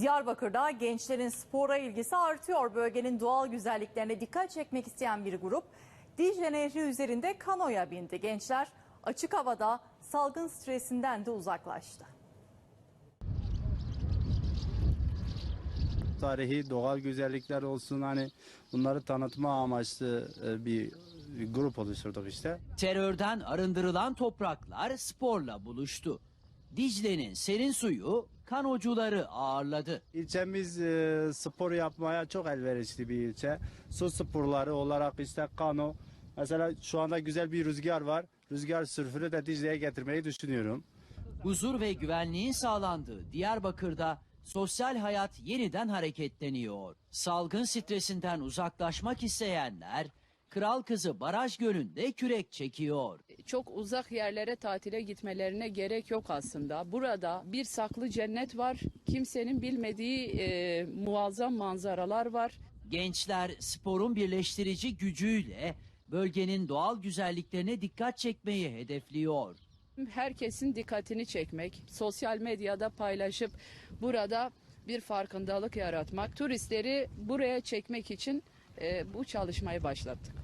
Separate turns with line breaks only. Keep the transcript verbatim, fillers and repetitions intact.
Diyarbakır'da gençlerin spora ilgisi artıyor. Bölgenin doğal güzelliklerine dikkat çekmek isteyen bir grup Dicle Nehri üzerinde kanoya bindi. Gençler açık havada salgın stresinden de uzaklaştı.
Tarihi doğal güzellikler olsun, hani bunları tanıtma amaçlı bir grup oluşturduk işte.
Terörden arındırılan topraklar sporla buluştu. Dicle'nin serin suyu kanocuları ağırladı.
İlçemiz e, spor yapmaya çok elverişli bir ilçe. Su sporları olarak işte kano. Mesela şu anda güzel bir rüzgar var. Rüzgar sürfünü de Dicle'ye getirmeyi düşünüyorum.
Huzur ve güvenliğin sağlandığı Diyarbakır'da sosyal hayat yeniden hareketleniyor. Salgın stresinden uzaklaşmak isteyenler Kral Kızı Baraj Gölü'nde kürek çekiyor.
Çok uzak yerlere tatile gitmelerine gerek yok aslında. Burada bir saklı cennet var. Kimsenin bilmediği e, muazzam manzaralar var.
Gençler sporun birleştirici gücüyle bölgenin doğal güzelliklerine dikkat çekmeyi hedefliyor.
Herkesin dikkatini çekmek, sosyal medyada paylaşıp burada bir farkındalık yaratmak, turistleri buraya çekmek için e, bu çalışmayı başlattık.